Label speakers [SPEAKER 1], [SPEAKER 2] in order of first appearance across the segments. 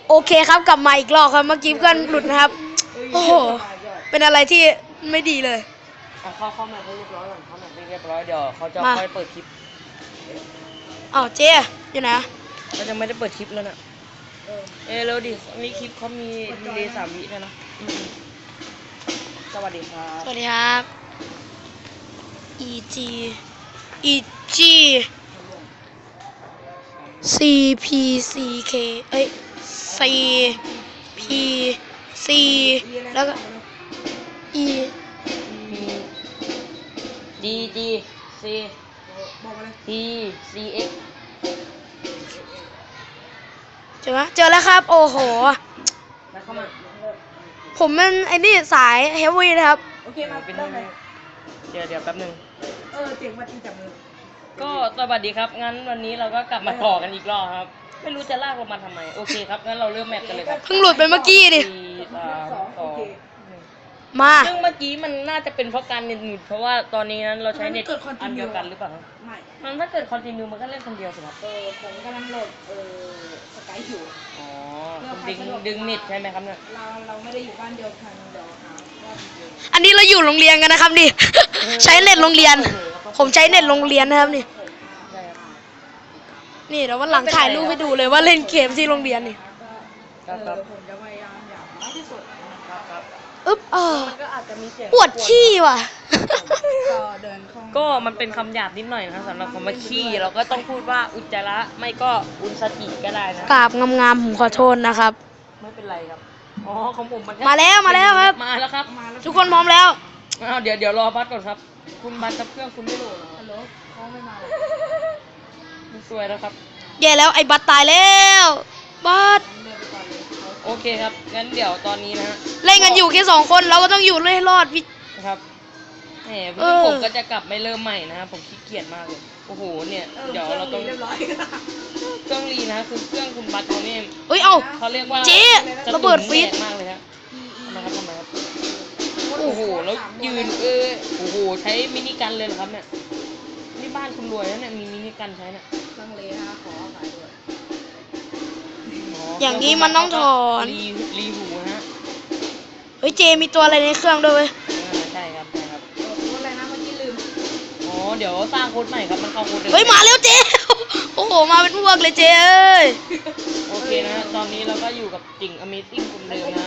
[SPEAKER 1] โอเคครับกลับมาอีกรอบครับเมื่อกี้เพื่อนหลุดนะครับโอ้โหเป็นอะไรที่ไม่ดีเลย
[SPEAKER 2] เข้ามาให้เรียบร้อยก่อนเข้ามาให้เรียบร้อยเดี๋ยวเขาจะค่อยเปิดคลิป
[SPEAKER 1] อ้าวเจ๊อยู่ไหน
[SPEAKER 2] เขาจะไม่ได้เปิดคลิปแล้วนะเร็วดินี่คลิปเขามีดีเลย์3 วิด้วยนะสวัสดีครับ
[SPEAKER 1] สวัสดีครับ EG CPCK เอ้ย CPC แล้วก็ E
[SPEAKER 2] DGC TCX
[SPEAKER 1] เจอไหมเจอแล้วครับโอ้โห
[SPEAKER 2] แล้วเข้ามา
[SPEAKER 1] ผมเป็นไอ้นี่สายเฮฟวี่นะครับ
[SPEAKER 3] โอเคมาเป็นเรื่องไหน
[SPEAKER 2] เดี๋ยวแป๊บนึง
[SPEAKER 3] เสียงมาตีจับมือ
[SPEAKER 2] ก็สวัสดีครับงั้นวันนี้เราก็กลับมาต่อกันอีกรอบครับไม่รู้จะลากเรามาทำไมโอเคครับงั้นเราเริ่มแมปกันเลยครับ
[SPEAKER 1] เพิ่งหลุดไปเมื่อกี้ดิมา
[SPEAKER 2] ซึ่งเมื่อกี้มันน่าจะเป็นเพราะการเน็ตหลุดเพราะว่าตอนนี้นั้นเราใช้เน็ตอันเดียวกันหรือเปล่า
[SPEAKER 3] ไม่
[SPEAKER 2] มันถ้าเกิดคอนติเนียมันก็เล่นคนเดียวสิครับ
[SPEAKER 3] ผมกำลังโหลดสกายอยู่
[SPEAKER 2] อ๋อดึงเน็ตใช่ไหมครับเนี่ย
[SPEAKER 3] เราไม่ได้อยู่บ้านเดียวกันเดี๋ยวหาว่า
[SPEAKER 1] อันนี้เราอยู่โรงเรียนกันนะครับนี่ ใช้เน็ตโรงเรียนผมใช้เน็ตโรงเรียนนะครับนี่นี่เดี๋ยววันหลังถ่ายรูปให้ดูเลยว่าเล่นเกมที่โรงเรียนนี่
[SPEAKER 3] ผมจะพยายามอย่างมากที่สุด
[SPEAKER 2] ครับ
[SPEAKER 1] อึ๊บ
[SPEAKER 2] มันก็อาจจะมีเสียง
[SPEAKER 1] ปวดขี้ว่ะ
[SPEAKER 2] ก็มันเป็นคำหยาบนิดหน่อยนะสำหรับคำว่าขี้เราก็ต้องพูดว่าอุจจาระไม่ก็อุนสติก็ได้นะ
[SPEAKER 1] กราบงามๆผมขอโทษนะครับ
[SPEAKER 2] ไม่เป็นไรครับอ๋อของผมมัน
[SPEAKER 1] มาแล้วครับ
[SPEAKER 2] มาแล้วครับ
[SPEAKER 1] ทุกคนพร้อมแล้ว
[SPEAKER 2] เดี๋ยวรอบัสก่อนครับคุณบัสกับเครื่องคุณไม่โหลด
[SPEAKER 3] ฮัลโหลเขาไม่มา
[SPEAKER 2] สวยแล้วครับ
[SPEAKER 1] แย่แล้วไอ้บัสตายแล้วบัส
[SPEAKER 2] โอเคครับงั้นเดี๋ยวตอนนี้นะฮะ
[SPEAKER 1] เล่นกันอยู่แค่2 คนเราก็ต้องอยู่ให้รอดพี่
[SPEAKER 2] ครับแหมผมก็จะกลับไม่เริ่มใหม่นะครับผมขี้เกียจมากเลยโอ้โหเนี่ยเดี๋ยวเราต้องเครื่องรีนะคือเครื่องคุณบัสเขาเนี่ยเขาเรียกว่า
[SPEAKER 1] เจ๊ระเบิดฟีด
[SPEAKER 2] มากเลยครับทำไมครับโอ้โหแล้วยืนโอ้โหใช้มินิกันเลยเหรอครับเนี่ยนี่บ้านคุณรวยนะเนี่ยมีมินิกันใช้เนี่ย
[SPEAKER 3] ตั้งเลยนะขอขายด้วย
[SPEAKER 1] อย่างนี้มันต้องถอน
[SPEAKER 2] รีหูนะฮะ
[SPEAKER 1] เฮ้ยเจมีตัวอะไรในเครื่องด้วย
[SPEAKER 2] ใช่ครับ
[SPEAKER 3] อะไรนะเมื่อกี้ลืม
[SPEAKER 2] เดี๋ยวสร้างโค้ดใหม่ครับมันเข้าโค้ด
[SPEAKER 1] เฮ้ยมาเร็วเจโอ้โหมาเป็นพวกเลยเจเอ้ย
[SPEAKER 2] โอเคนะตอนนี้เราก็อยู่กับจิ่ง Amazing คนเดิมนะ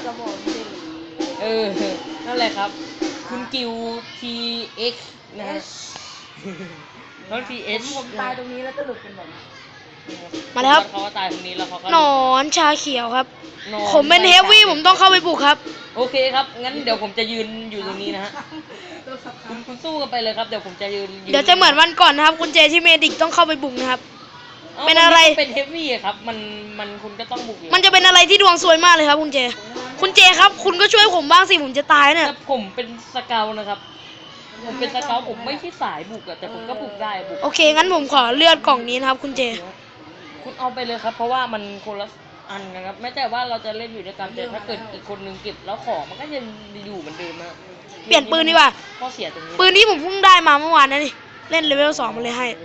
[SPEAKER 2] นั่นแหละครับคุณกิว TX นะฮะน้อง TX
[SPEAKER 3] ผมตายตรงนี้แล้วจะหลุดเป็นแบบ
[SPEAKER 1] มาแล้วครับ
[SPEAKER 2] เขาตายตรงนี้แล้วเขาก็
[SPEAKER 1] หนอนชาเขียวครับผมเป็นเฮฟวี่ผมต้องเข้าไปบุกครับ
[SPEAKER 2] โอเคครับงั้นเดี๋ยวผมจะยืนอยู่ตรงนี้นะฮะคุณสู้กันไปเลยครับเดี๋ยวผมจะยืน
[SPEAKER 1] เดี๋ยวจะเหมือนวันก่อนนะครับคุณเจที่เมดิกต้องเข้าไปบุกนะครับเป็นอะไร
[SPEAKER 2] เป็นเฮฟวี่ครับมันคุณก็ต้องบุก
[SPEAKER 1] มันจะเป็นอะไรที่ดวงสวยมากเลยครับคุณเจครับคุณก็ช่วยผมบ้างสิผมจะตายเนี่ย
[SPEAKER 2] ผมเป็นสเกลนะครับผมเป็นสเกลผมไม่ใช่สายบุกอะแต่ผมก็บุกได้บุก
[SPEAKER 1] โอเคงั้นผมขอเลือดกล่องนี้นะครับคุณเจ
[SPEAKER 2] คุณเอาไปเลยครับเพราะว่ามันคนละอันนะครับไม่แต่ว่าเราจะเล่นอยู่ด้วยกันแต่ถ้าเกิดอีกคนนึงเก็บแล้วของมันก็ยังอยู่เหมือนเดิมนะ
[SPEAKER 1] เปลี่ยนปืนดีกว่า
[SPEAKER 2] ข้อเสียตรงนี้
[SPEAKER 1] ปืนที่ผมเพิ่งได้มาเมื่อวานนะนี่เล่นเลเวล2มาเลยให้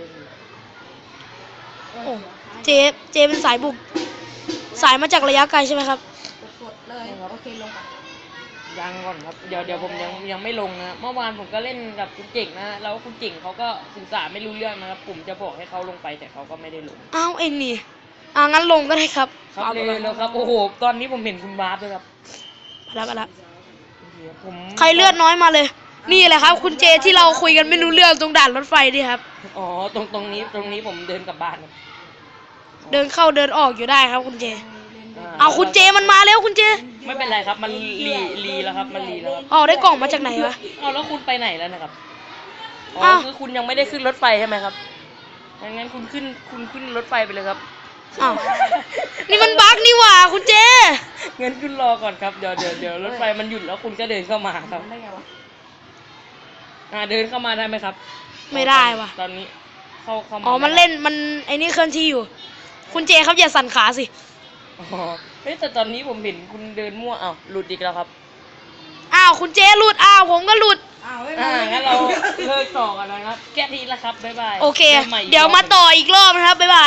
[SPEAKER 1] โอ้เจเป็นสายบุกสายมาจากระยะไกลใช่ไหมครับ
[SPEAKER 3] กดเลยโอเคลงก่อน
[SPEAKER 2] ยังก่อนครับเดี๋ยวผมยังไม่ลงนะเมื่อวานผมก็เล่นกับคุณเจ๋งนะแล้วคุณเจ๋งเขาก็สื่อสารไม่รู้เรื่องนะครับผมจะบอกให้เขาลงไปแต่เขาก็ไม่ได้ลง
[SPEAKER 1] อ้าวเองนี่งั้นลงก็ได้ครับ
[SPEAKER 2] ครับเลยแล้วครับโอ้โหตอนนี้ผมเห็นคุณวาร์ปเลยครับ
[SPEAKER 1] ไปแล้วใครเลือดน้อยมาเลยนี่แหละครับคุณเจที่เราคุยกันไม่รู้เรื่องตรงด่านรถไฟดิครับ
[SPEAKER 2] อ๋อตรงนี้ผมเดินกลับบ้านครับ
[SPEAKER 1] เดินเข้าเดินออกอยู่ได้ครับคุณเจเอาคุณเจมันมาแล้วคุณเจ
[SPEAKER 2] ไม่เป็นไรครับมันรีแล้วครับมันรีแล้วครับ
[SPEAKER 1] ได้กล่องมาจากไหนวะ
[SPEAKER 2] แล้วคุณไปไหนแล้วนะครับคือคุณยังไม่ได้ขึ้นรถไฟใช่ไหมครับงั้นคุณขึ้นรถไฟไปเลยครับ
[SPEAKER 1] นี่มันบั๊กนี่หว่าคุณเจ
[SPEAKER 2] งั้นคุณรอก่อนครับเดี๋ยวรถไฟมันหยุดแล้วคุณก็เดินเข้ามาครับเดินเข้ามาได้ไหมครับ
[SPEAKER 1] ไม่ได้ว่ะ
[SPEAKER 2] ตอนนี้เข้ามา
[SPEAKER 1] มันเล่นมันไอ้นี่เคลื่อนที่อยู่คุณเจครับอย่าสั่นขาสิ
[SPEAKER 2] แต่ตอนนี้ผมเห็นคุณเดินมั่วหลุดอีกแล้วครับ
[SPEAKER 1] คุณเจหลุดผมก็หลุด
[SPEAKER 2] งั้นเราเลิกต่อกันนะครับแค่นี้ละครับบ๊ายบาย
[SPEAKER 1] โอเคเดี๋ยวมาต่ออีกรอบนะครับบ๊ายบาย